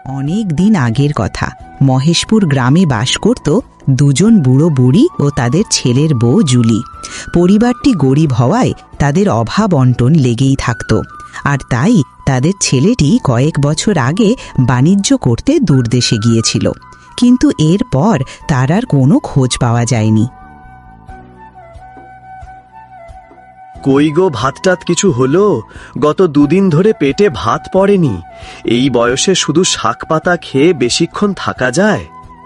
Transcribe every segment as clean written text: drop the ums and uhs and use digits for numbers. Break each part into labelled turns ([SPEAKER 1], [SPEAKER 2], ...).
[SPEAKER 1] অনেক দিন আগের কথা। মহেশপুর গ্রামে বাস করত দুজন বুড়ো বুড়ি ও তাদের ছেলের বউ জুলি। পরিবারটি গরিব হওয়ায় তাদের অভাব অন্টন লেগেই থাকত, আর তাই তাদের ছেলেটি কয়েক বছর আগে বাণিজ্য করতে দূরদেশে গিয়েছিল, কিন্তু এরপর তার আর কোনো খোঁজ পাওয়া যায়নি।
[SPEAKER 2] কই গো, ভাতটাত কিছু হলো? গত দুদিন ধরে পেটে ভাত পড়েনি। এই বয়সে শুধু শাক পাতা খেয়ে বেশিক্ষণ থাকা যায়?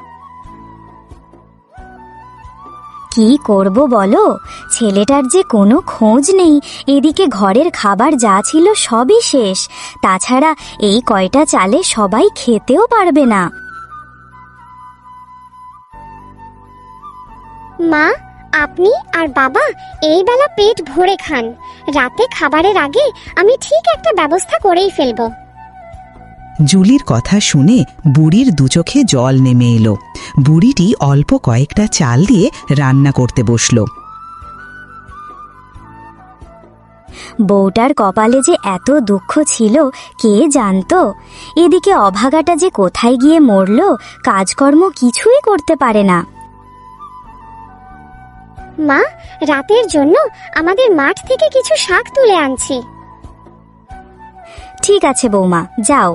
[SPEAKER 3] কি করব বলো, ছেলেটার যে কোনো খোঁজ নেই। এদিকে ঘরের খাবার যা ছিল সবই শেষ, তাছাড়া এই কয়টা চালে সবাই খেতেও পারবে না।
[SPEAKER 4] মা, আপনি আর বাবা এই বেলা পেট ভরে খান। রাতে খাবারের আগে আমি ঠিক একটা ব্যবস্থা করেই ফেলবো।
[SPEAKER 1] জুলির কথা শুনে বুড়ির দুচোখে জল নেমে এলো। বুড়িটি অল্প কয়েকটা চাল দিয়ে রান্না করতে বসল।
[SPEAKER 3] বউটার কপালে যে এত দুঃখ ছিল কে জানতো। এদিকে অভাগাটা যে কোথায় গিয়ে মরল, কাজকর্ম কিছুই করতে পারে না।
[SPEAKER 4] মা, রাতের জন্য আমাদের মাঠ থেকে কিছু শাক তুলে আনছি।
[SPEAKER 3] ঠিক আছে বৌমা, যাও।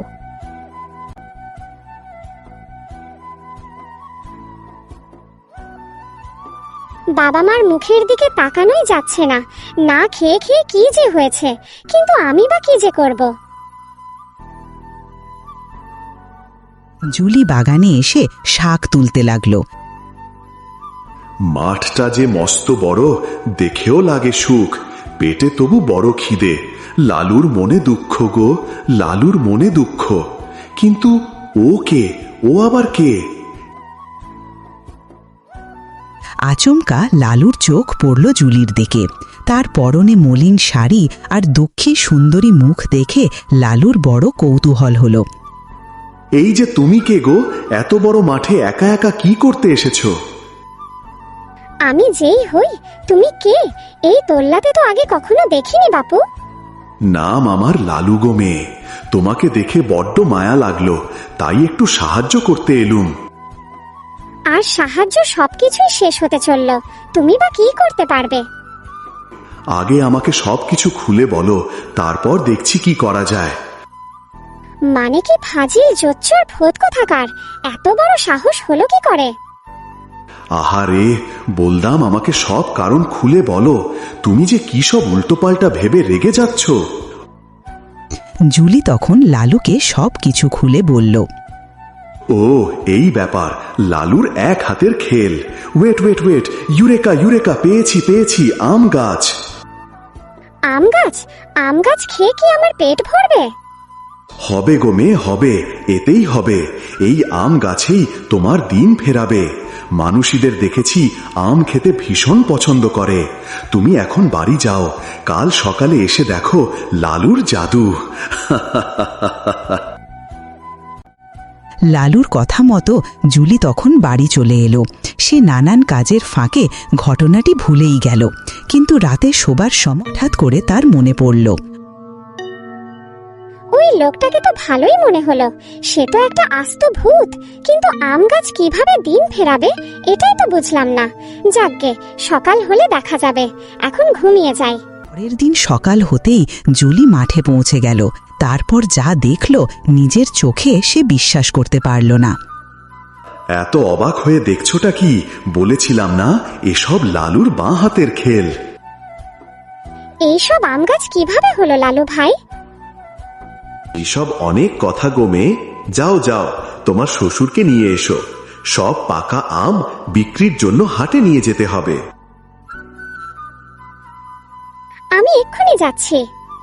[SPEAKER 4] বাবা মার মুখের দিকে তাকানোই যাচ্ছে না। না খেয়ে খেয়ে কি যে হয়েছে, কিন্তু আমি বা কি যে করব।
[SPEAKER 1] জুলি বাগানে এসে শাক তুলতে লাগলো।
[SPEAKER 5] মাঠটা যে মস্ত বড়, দেখেও লাগে সুখ, পেটে তবু বড় খিদে। লালুর মনে দুঃখ গো, লালুর মনে দুঃখ। কিন্তু ও কে? ও আবার কে?
[SPEAKER 1] আচমকা লালুর চোখ পড়ল জুলির দিকে। তার পরনে মলিন শাড়ি আর দুঃখী সুন্দরী মুখ দেখে লালুর বড় কৌতূহল হল।
[SPEAKER 5] এই যে তুমি কে গো? এত বড় মাঠে একা একা কি করতে এসেছো?
[SPEAKER 4] আমি যেই হই, তুমি কে? এই তোল্লাতে তো আগে কখনো দেখিনি বাপু।
[SPEAKER 5] নাম আমার লালু গো মেয়ে। তোমাকে দেখে বড্ড মায়া লাগলো, তাই একটু সাহায্য করতে এলুম।
[SPEAKER 4] আর সাহায্য সবকিছুই শেষ হতে চলল, তুমি বা কি করতে পারবে?
[SPEAKER 5] আগে আমাকে সবকিছু খুলে বলো, তারপর দেখছি কি করা যায়।
[SPEAKER 4] মানে কি ফাজিল জোচ্চর ভূত কোথাকার, এত বড় সাহস হলো কি করে?
[SPEAKER 5] আহারে, বলদাম আমাকে সব কারণ খুলে বলো। তুমি যে কি সব উল্টোপাল্টা ভেবে রেগে যাচ্ছ।
[SPEAKER 1] জুলি তখন লালুকে সব কিছু খুলে বলল।
[SPEAKER 5] ও এই ব্যাপার, লালুর এক হাতের খেল। Wait wait wait, eureka eureka, পেয়েছি পেয়েছি, আম গাছ।
[SPEAKER 4] আম গাছ? আম গাছ খেয়ে কি আমার পেট ভরবে?
[SPEAKER 5] হবে গো মেয়ে, হবে, এতেই হবে। এই আম গাছেই তোমার দিন ফেরাবে। মানুষীদের দেখেছি আম খেতে ভীষণ পছন্দ করে। তুমি এখন বাড়ি যাও, কাল সকালে এসে দেখো লালুর জাদু।
[SPEAKER 1] লালুর কথা মতো জুলি তখন বাড়ি চলে এলো। সে নানান কাজের ফাঁকে ঘটনাটি ভুলেই গেল, কিন্তু রাতে শোবার সময় হঠাৎ করে তার মনে পড়ল।
[SPEAKER 4] ওই লোকটাকে তো ভালোই মনে হলো, সে তো একটা আস্ত ভূত, কিন্তু আম গাছ কিভাবে দিন ফেরাবে এটাই তো বুঝলাম না। যাকগে, সকাল হলে দেখা যাবে, এখন ঘুমিয়ে যাই।
[SPEAKER 1] পরের দিন সকাল হতেই জুলি মাঠে পৌঁছে গেল। তারপর যা দেখল নিজের চোখে সে বিশ্বাস করতে পারল না।
[SPEAKER 5] এত অবাক হয়ে দেখছোটা কি? বলেছিলাম না, এসব লালুর বাঁ হাতের খেল।
[SPEAKER 4] এইসব আম গাছ কিভাবে হলো লালু ভাই?
[SPEAKER 5] এসব অনেক কথা গোমে। যাও যাও, তোমার শ্বশুরকে নিয়ে এসো। সব পাকা আম বিক্রির জন্য হাটে নিয়ে যেতে হবে।
[SPEAKER 4] আমি এক্ষুনি যাচ্ছি।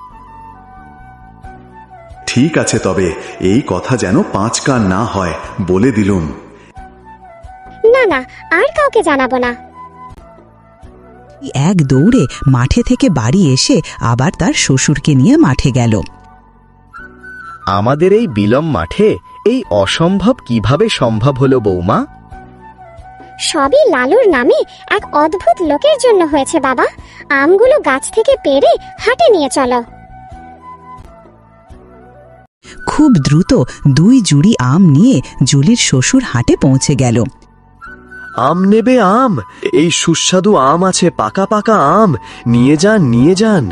[SPEAKER 5] ঠিক আছে, তবে এই কথা যেন 5 কান না হয়, বলে দিলুম।
[SPEAKER 4] না না, আর কাউকে জানাবো না।
[SPEAKER 1] এক দৌড়ে মাঠে থেকে বাড়ি এসে আবার তার শ্বশুরকে নিয়ে মাঠে গেল।
[SPEAKER 2] আমাদের এই বিলম মাঠে এই অসম্ভব কিভাবে সম্ভব হলো বৌমা?
[SPEAKER 4] সবই লালুর নামে এক অদ্ভুত লোকের জন্য হয়েছে বাবা। আমগুলো গাছ থেকে পেড়ে হাটে নিয়ে চলো।
[SPEAKER 1] খুব দ্রুত 2 জুড়ি আম নিয়ে জুলির শ্বশুর হাটে পৌঁছে গেল।
[SPEAKER 2] আম নেবে আম? এই সুস্বাদু আম আছে, পাকা পাকা আম, নিয়ে যান নিয়ে যান।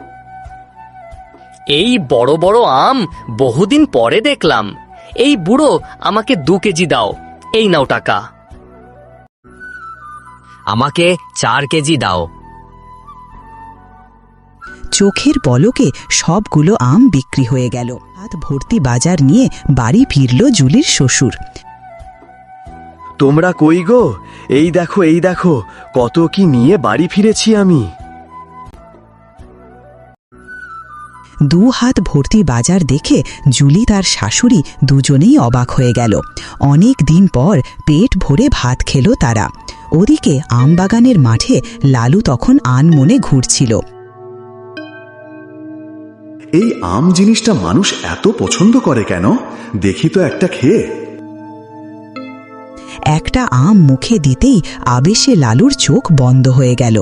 [SPEAKER 6] এই বড় বড় আম বহুদিন পরে দেখলাম। এই বুড়ো, আমাকে 2 কেজি দাও। এই নাও টাকা। আমাকে 4 কেজি দাও।
[SPEAKER 1] চোখের পলকে সবগুলো আম বিক্রি হয়ে গেল। হাত ভর্তি বাজার নিয়ে বাড়ি ফিরল জুলির শ্বশুর।
[SPEAKER 2] তোমরা কই গো? এই দেখো এই দেখো, কত কি নিয়ে বাড়ি ফিরেছি আমি।
[SPEAKER 1] 2 হাত ভর্তি বাজার দেখে জুলি তার শাশুড়ি দুজনেই অবাক হয়ে গেল। অনেক দিন পর পেট ভরে ভাত খেল তারা। ওদিকে আমবাগানের মাঠে লালু তখন আনমনে ঘুরছিল।
[SPEAKER 5] এই আম জিনিসটা মানুষ এত পছন্দ করে কেন? দেখি তো একটা খেয়ে।
[SPEAKER 1] একটা আম মুখে দিতেই আবেশে লালুর চোখ বন্ধ হয়ে গেল।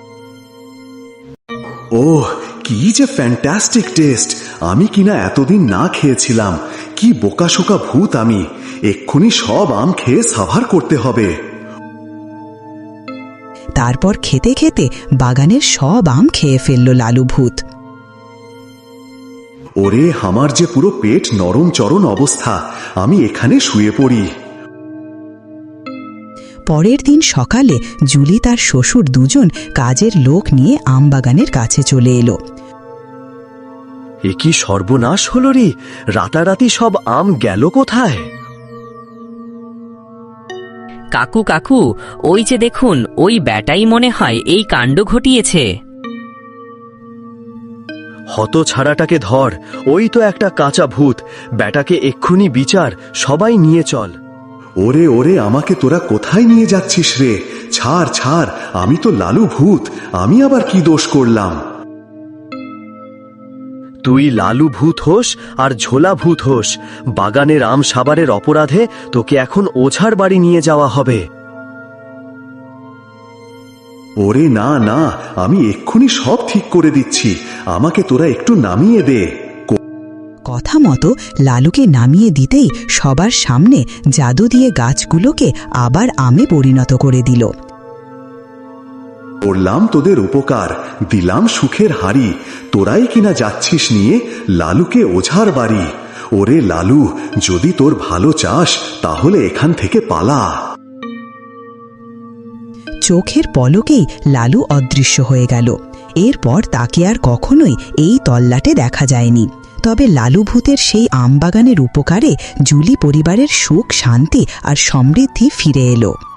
[SPEAKER 5] ওহ, কি যে ফ্যান্টাস্টিক টেস্ট! আমি কিনা এতদিন না খেয়েছিলাম। কি বোকাশোকা ভূত আমি! এক্ষুনি সব আম খেয়ে সাভার করতে হবে।
[SPEAKER 1] তারপর খেতে খেতে বাগানের সব আম খেয়ে ফেলল লালু ভূত।
[SPEAKER 5] ওরে, আমার যে পুরো পেট নরম চরণ অবস্থা, আমি এখানে শুয়ে পড়ি।
[SPEAKER 1] পরের দিন সকালে জুলি তার শ্বশুর দুজন কাজের লোক নিয়ে আমবাগানের কাছে চলে এলো।
[SPEAKER 2] এ কি সর্বনাশ হলো রে! রাতারাতি সব আম গেল কোথায়?
[SPEAKER 6] কাকু কাকু, ওই যে দেখুন, ওই ব্যাটাই মনে হয় এই কাণ্ড ঘটিয়েছে।
[SPEAKER 2] হত ছাড়াটাকে ধর, ওই তো একটা কাঁচা ভূত। ব্যাটাকে এক্ষুনি বিচার, সবাই নিয়ে চল।
[SPEAKER 5] ওরে ওরে, আমাকে তোরা কোথায় নিয়ে যাচ্ছিস রে? ছাড় ছাড়, আমি তো লালু ভূত। আমি আবার কি দোষ করলাম?
[SPEAKER 2] তুই লালু ভূত হোস আর ঝোলা ভূত হোস, বাগানের আম সাবারের অপরাধে তোকে এখন ওঝার বাড়ি নিয়ে যাওয়া হবে।
[SPEAKER 5] ওরে না না, আমি এক্ষুনি সব ঠিক করে দিচ্ছি। আমাকে তোরা একটু নামিয়ে দে।
[SPEAKER 1] কথা মতো লালুকে নামিয়ে দিতেই সবার সামনে জাদু দিয়ে গাছগুলোকে আবার আমে পরিণত করে দিল।
[SPEAKER 5] করলাম তোদের উপকার, দিলাম সুখের হাড়ি। তোরাই কিনা যাচ্ছিস নিয়ে লালুকে ওঝার বাড়ি। ওরে লালু, যদি তোর ভালো চাস তাহলে এখান থেকে পালা।
[SPEAKER 1] চোখের পলকেই লালু অদৃশ্য হয়ে গেল। এরপর তাকে আর কখনোই এই তল্লাটে দেখা যায়নি। তবে লালু ভূতের সেই আমবাগানের উপকারে জুলি পরিবারের সুখ, শান্তি আর সমৃদ্ধি ফিরে এলো।